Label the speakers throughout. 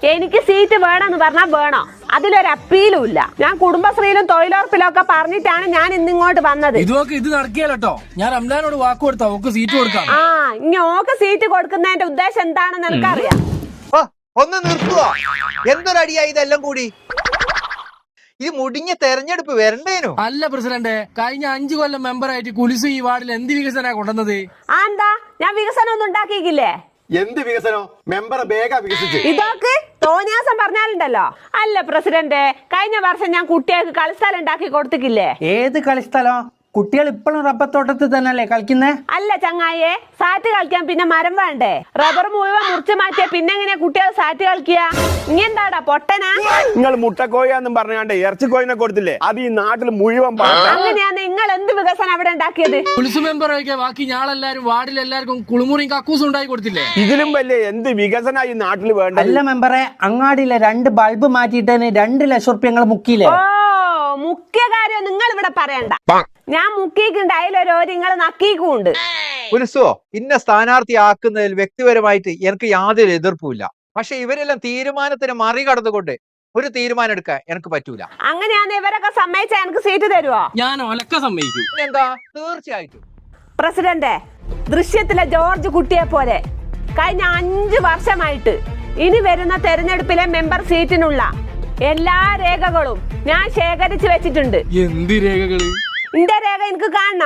Speaker 1: എനിക്ക് സീറ്റ് വേണമെന്ന് പറഞ്ഞാൽ വേണോ? അതിലൊരു അപ്പീലും ഇല്ല. ഞാൻ കുടുംബശ്രീയിലും തൊഴിലുറപ്പിലും ഒക്കെ പറഞ്ഞിട്ടാണ് ഞാൻ ഇന്നിങ്ങോട്ട് വന്നത്.
Speaker 2: ഇത് നടക്കിയല്ലോ. ഞാൻ റംലാനോട് വാക്ക് കൊടുത്താ ഓക്ക് സീറ്റ് കൊടുക്കാം.
Speaker 1: ഇനി ഓക്ക് സീറ്റ് കൊടുക്കുന്നതിന്റെ ഉദ്ദേശം എന്താണെന്ന് എനിക്കറിയാം.
Speaker 3: ഒന്ന് നിർത്തുവോ? എന്തൊരടിയായി ഇതെല്ലാം കൂടി? ഈ മുടിഞ്ഞ തെരഞ്ഞെടുപ്പ് വരണ്ടേനോ?
Speaker 2: അല്ല പ്രസിഡന്റ്, കഴിഞ്ഞ 5 കൊല്ലം മെമ്പറായിട്ട് കുലിസ് ഈ വാർഡിൽ എന്ത് വികസന കൊണ്ടുവന്നത്?
Speaker 1: എന്താ ഞാൻ വികസനം ഒന്നും ഉണ്ടാക്കിയില്ലേ?
Speaker 4: എന്ത് വികസനോ? മെമ്പർ വേഗ വികസിച്ച്
Speaker 1: ഇതൊക്കെ തോന്നിയാസം പറഞ്ഞാലുണ്ടല്ലോ. അല്ല പ്രസിഡന്റ്, കഴിഞ്ഞ വർഷം ഞാൻ കുട്ടികൾക്ക് കളിസ്ഥലം ഉണ്ടാക്കി കൊടുത്തിക്കില്ലേ?
Speaker 5: ഏത് കളിസ്ഥലം? കുട്ടികൾ ഇപ്പോഴും റബ്ബർ തന്നെയല്ലേ കളിക്കുന്നേ?
Speaker 1: അല്ല ചങ്ങായെ, സാറ്റ് കളിക്കാൻ പിന്നെ മരം വേണ്ടേ? റബ്ബർ മുഴുവൻ മുറിച്ചു മാറ്റിയ പിന്നെ എങ്ങനെയാ കുട്ടികൾ സാറ്റ് കളിക്കുക? ഇനി എന്താടാ പൊട്ടനാ?
Speaker 4: നിങ്ങൾ മുട്ടക്കോയെന്നും പറഞ്ഞാണ്ട് ഇറച്ചിക്കോയിനെ കൊടുത്തില്ലേ? അത് ഈ നാട്ടിൽ മുഴുവൻ
Speaker 1: അങ്ങനെയാണ്. നിങ്ങൾ എന്ത് വികസനം അവിടെ ഉണ്ടാക്കിയത്?
Speaker 2: കുലിസ് മെമ്പർ ഒഴികെ ബാക്കി ഞാളെല്ലാരും വാർഡിലെല്ലാവർക്കും കുളിമുറിയും കക്കൂസും ഉണ്ടായി കൊടുത്തില്ലേ?
Speaker 4: ഇതിലും വലിയ എന്ത് വികസന ഈ നാട്ടിൽ വേണ്ട?
Speaker 5: അല്ല മെമ്പറെ, അങ്ങാടിയിലെ 2 ബൾബ് മാറ്റിയിട്ടതിന് 2 ലക്ഷം റുപ്യ നിങ്ങൾ മുക്കിയില്ലേ?
Speaker 1: മുഖ്യ കാര്യം നിങ്ങൾ ഇവിടെ പറയണ്ട. ഞാൻ മുക്കിക്കുണ്ട്, അതിലൊരു നിങ്ങൾ നക്കീക്കുണ്ട്.
Speaker 3: പുലിസോ, ഇന്ന സ്ഥാനാർത്ഥി ആക്കുന്നതിൽ വ്യക്തിപരമായിട്ട് എനിക്ക് യാതൊരു എതിർപ്പുമില്ല. പക്ഷെ ഇവരെല്ലാം തീരുമാനത്തിന് മറികടന്നുകൊണ്ട് ഒരു തീരുമാനം എടുക്കാൻ എനിക്ക് പറ്റൂല.
Speaker 1: അങ്ങനെയാന്ന് ഇവരൊക്കെ സമ്മതിച്ചാ എനിക്ക് സീറ്റ് തരുവോ?
Speaker 2: ഞാൻ ഒലക്ക സമ്മതിക്കും.
Speaker 3: എന്താ? തീർച്ചയായിട്ടും.
Speaker 1: പ്രസിഡന്റ്, ദൃശ്യത്തിലെ ജോർജ് കുട്ടിയെ പോലെ കഴിഞ്ഞ 5 വർഷമായിട്ട് ഇനി വരുന്ന തെരഞ്ഞെടുപ്പിലെ മെമ്പർ സീറ്റിനുള്ള എല്ലാ രേഖകളും ഞാൻ ശേഖരിച്ചു വെച്ചിട്ടുണ്ട്.
Speaker 2: എന്ത് രേഖകള്?
Speaker 1: ഇന്റെ രേഖ എനിക്ക് കാണണോ?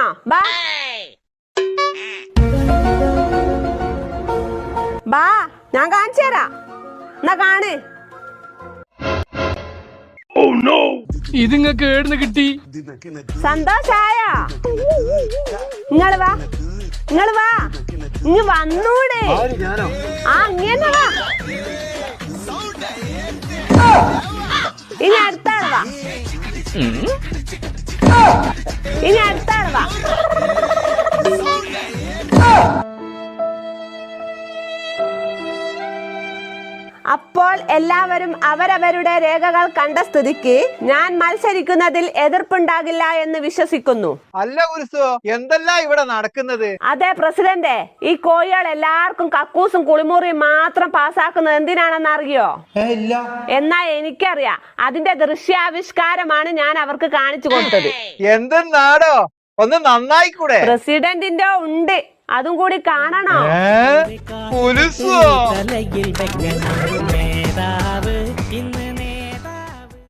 Speaker 1: ബാ ഞാൻ കാണിച്ചു തരാം. എന്നാ കാണ്.
Speaker 2: ഇതിങ്ങക്ക് ഏടുന്ന് കിട്ടി?
Speaker 1: സന്തോഷായ? നിങ്ങള് വാ, ഇങ്ങ് വന്നൂടെ? ഇങ്ങനെ വാ. ഇനി അടുത്താള് വാ. അപ്പോൾ എല്ലാവരും അവരവരുടെ രേഖകൾ കണ്ട സ്ഥിതിക്ക് ഞാൻ മത്സരിക്കുന്നതിൽ എതിർപ്പുണ്ടാകില്ല എന്ന് വിശ്വസിക്കുന്നു.
Speaker 3: അല്ല കുരിസോ, എന്തെല്ലാം ഇവിടെ നടക്കുന്നത്?
Speaker 1: അതെ പ്രസിഡന്റ്, ഈ കോഴികൾ എല്ലാവർക്കും കക്കൂസും കുളിമുറിയും മാത്രം പാസ്സാക്കുന്നത് എന്തിനാണെന്ന് അറിയോ? എന്നാ എനിക്കറിയാം. അതിന്റെ ദൃശ്യാവിഷ്കാരമാണ് ഞാൻ അവർക്ക് കാണിച്ചു കൊടുത്തത്.
Speaker 3: എന്തെന്നാടോ? ഒന്ന് നന്നായിക്കൂടെ?
Speaker 1: പ്രസിഡന്റിന്റെ ഉണ്ട്, അതും കൂടി കാണണോ?
Speaker 3: പുലിസോ?
Speaker 6: തലയിൽ വെക്കണം മേധാവ്